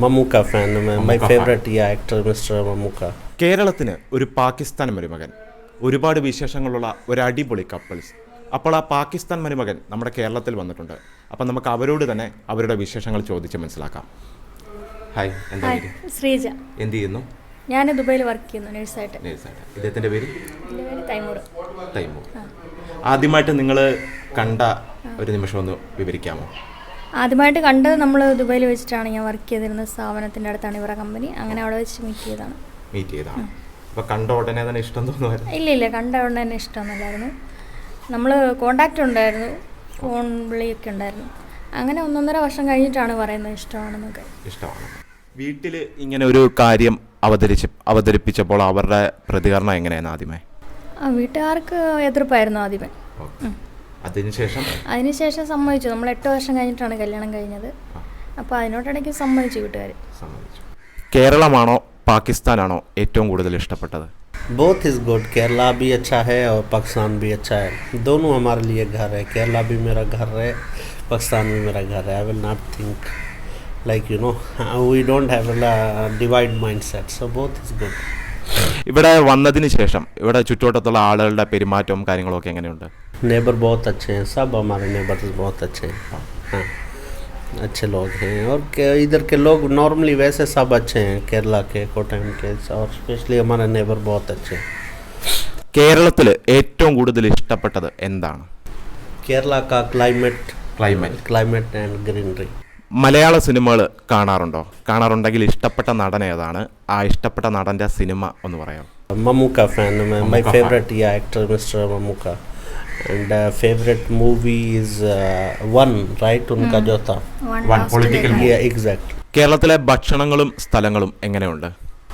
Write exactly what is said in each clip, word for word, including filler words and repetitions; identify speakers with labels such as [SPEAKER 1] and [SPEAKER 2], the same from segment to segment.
[SPEAKER 1] Mammukka fan. My favourite actor mister Mammukka.
[SPEAKER 2] കേരളത്തിന് ഒരു പാകിസ്ഥാൻ മരുമകൻ, ഒരുപാട് വിശേഷങ്ങളുള്ള ഒരു അടിപൊളി കപ്പിൾസ്. അപ്പോൾ ആ പാകിസ്ഥാൻ മരുമകൻ നമ്മുടെ കേരളത്തിൽ വന്നിട്ടുണ്ട്. അപ്പം നമുക്ക് അവരോട് തന്നെ അവരുടെ വിശേഷങ്ങൾ ചോദിച്ച് മനസ്സിലാക്കാം. ഹായ്, എന്താ പേര്?
[SPEAKER 3] ശ്രീജ.
[SPEAKER 2] എന്ത് ചെയ്യുന്നു?
[SPEAKER 3] ഞാൻ ദുബൈയിൽ വർക്ക് ചെയ്യുന്നു നേഴ്സായിട്ട്.
[SPEAKER 2] നേഴ്സായിട്ട്. ഇദ്ദേഹത്തിൻ്റെ പേര്?
[SPEAKER 3] എൻ്റെ പേര് തൈമൂർ.
[SPEAKER 2] തൈമൂർ. ആദ്യമായിട്ട് നിങ്ങൾ കണ്ട ഒരു നിമിഷം ഒന്ന് വിവരിക്കാമോ?
[SPEAKER 3] ആദ്യമായിട്ട് കണ്ടത് നമ്മൾ ദുബൈയിൽ വെച്ചിട്ടാണ്. ഞാൻ വർക്ക് ചെയ്തിരുന്ന സ്ഥാപനത്തിൻ്റെ അടുത്താണ് ഇവരുടെ കമ്പനി. അങ്ങനെ അവിടെ വെച്ച് മീറ്റ് ചെയ്തതാണ്.
[SPEAKER 2] മീറ്റ് ചെയ്താണ്. അപ്പോൾ കണ്ട ഉടനെ തന്നെ ഇഷ്ടം തോന്നുമായിരുന്നു?
[SPEAKER 3] ഇല്ല ഇല്ല കണ്ട ഉടനെ തന്നെ ഇഷ്ടമൊന്നുമില്ലായിരുന്നു. നമ്മൾ കോണ്ടാക്റ്റ് ഉണ്ടായിരുന്നു, ഫോൺ വിളിയൊക്കെ ഉണ്ടായിരുന്നു. അങ്ങനെ ഒന്നൊന്നര വർഷം കഴിഞ്ഞിട്ടാണ് പറയുന്നത് ഇഷ്ടമാണെന്നൊക്കെ.
[SPEAKER 2] ഇഷ്ടമാണ്. വീട്ടിൽ ഇങ്ങനെ ഒരു കാര്യം അവതരിച്ച് അവതരിപ്പിച്ചപ്പോൾ അവരുടെ പ്രതികരണം എങ്ങനെയാണ് ആദ്യമേ?
[SPEAKER 3] ആ വീട്ടുകാർക്ക് എതിർപ്പായിരുന്നു ആദ്യമേ.
[SPEAKER 2] അതിനുശേഷം
[SPEAKER 3] അതിനുശേഷം സമ്മതിച്ചു. നമ്മൾ എട്ട് വർഷം കഴിഞ്ഞിട്ടാണ് കല്യാണം കഴിഞ്ഞത്. അപ്പോൾ അതിനോട്ടിടയ്ക്ക് സമ്മതിച്ചു വീട്ടുകാർ.
[SPEAKER 2] സമ്മതിച്ചു. കേരളമാണോ പാകിസ്ഥാനാണോ ഏറ്റവും കൂടുതൽ ഇഷ്ടപ്പെട്ടത്?
[SPEAKER 1] Both is good. केरला भी अच्छा है और पाकिस्तान भी अच्छा है. दोनों हमारे लिए घर है. केरला भी मेरा घर है, पाकिस्तान भी मेरा घर है. I will not think like you know we don't have a divide mindset, so both is good.
[SPEAKER 2] ഇവിടെ വന്നതിന് ശേഷം ഇവിടെ ചുറ്റുവട്ടത്തുള്ള ആളുകളുടെ പെരുമാറ്റവും കാര്യങ്ങളൊക്കെ എങ്ങനെയുണ്ട്?
[SPEAKER 1] नेबर बहुत अच्छे हैं, सब हमारे नेबर्स बहुत अच्छे हैं. हाँ, अच्छे लोग हैं. और इधर के लोग नॉर्मली वैसे सब अच्छे हैं, केरला के, कोटम के, और स्पेशली हमारे नेबर बहुत अच्छे हैं.
[SPEAKER 2] കേരളത്തിൽ ഏറ്റവും കൂടുതൽ ഇഷ്ടപ്പെട്ടത് എന്താണ്?
[SPEAKER 1] केरला का climate
[SPEAKER 2] climate
[SPEAKER 1] climate and greenery.
[SPEAKER 2] മലയാള സിനിമകൾ കാണാറുണ്ടോ? കാണാറുണ്ടെങ്കിൽ ഇഷ്ടപ്പെട്ട നടൻ ഏതാണ്? ആ ഇഷ്ടപ്പെട്ട നടൻ്റെ സിനിമ ഒന്ന് പറയാം.
[SPEAKER 1] Mammukka fan. My favourite actor mister Mammukka. and uh, favorite movie is uh, one, right? उनका जो था
[SPEAKER 2] One political movie.
[SPEAKER 1] yeah, exactly.
[SPEAKER 2] കേരളത്തിലെ ഭക്ഷണങ്ങളും സ്ഥലങ്ങളും എങ്ങനെയുണ്ട്?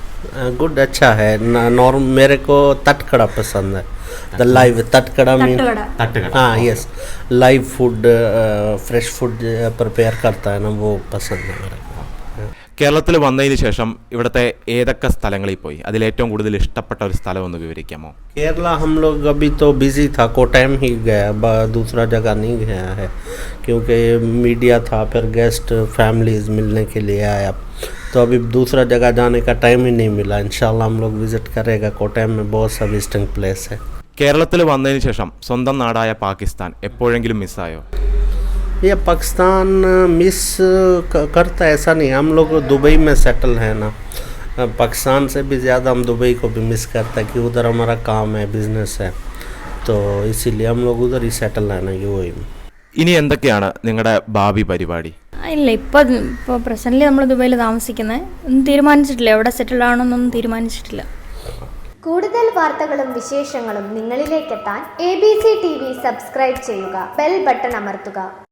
[SPEAKER 1] गुड, अच्छा है. नॉर्म मेरे को तटकड़ा पसंद है. द लाइव तटकड़ा मीन हाँ yes, live food, fresh food prepare करता है ना, वो पसंद है मेरे को.
[SPEAKER 2] കേരളത്തിൽ വന്നതിന് ശേഷം ഇവിടുത്തെ ഏതൊക്കെ സ്ഥലങ്ങളിൽ പോയി? അതിലേറ്റവും കൂടുതൽ ഇഷ്ടപ്പെട്ട ഒരു സ്ഥലം ഒന്ന് വിവരിക്കാമോ?
[SPEAKER 1] केरला हम लोग अभी तो बिजी था, कोटम ही गया, दूसरा जगह नहीं गया है क्योंकि मीडिया था, फिर गेस्ट फैमिलीज मिलने के लिए आया, तो अभी दूसरा जगह जाने का टाइम ही नहीं मिला. इंशाल्लाह हम लोग विजिट करेगा. कोटम में बहुत सा विजिटिंग प्लेस है.
[SPEAKER 2] കേരളത്തിൽ വന്നതിന് ശേഷം സ്വന്തം നാടായ പാകിസ്ഥാൻ എപ്പോഴെങ്കിലും മിസ്സായോ?
[SPEAKER 1] ये पाकिस्तान मिस करता है ऐसा नहीं. हम लोग दुबई में सेटल है ना, पाकिस्तान से भी ज़्यादा हम दुबई को भी मिस करता है कि उधर हमारा काम है, बिजनेस है, तो इसीलिए हम लोग उधर ही सेटल है ना, यू ए.
[SPEAKER 2] ഇനി എന്തൊക്കെയാണ് നിങ്ങളുടെ ഭാവി പരിപാടി?
[SPEAKER 3] ഇല്ല, ഇപ്പോൾ ഇപ്പോൾ പ്രസൻ്റ്ലി നമ്മൾ ദുബൈയിൽ താമസിക്കുന്നത്. ഒന്നും തീരുമാനിച്ചിട്ടില്ല, എവിടെ സെറ്റിൽ ആവണമെന്നൊന്നും തീരുമാനിച്ചിട്ടില്ല.
[SPEAKER 4] കൂടുതൽ വാർത്തകളും വിശേഷങ്ങളും നിങ്ങളിലേക്കെത്താൻ A B C T V subscribe ചെയ്യുക, ബെൽ ബട്ടൺ അമർത്തുക.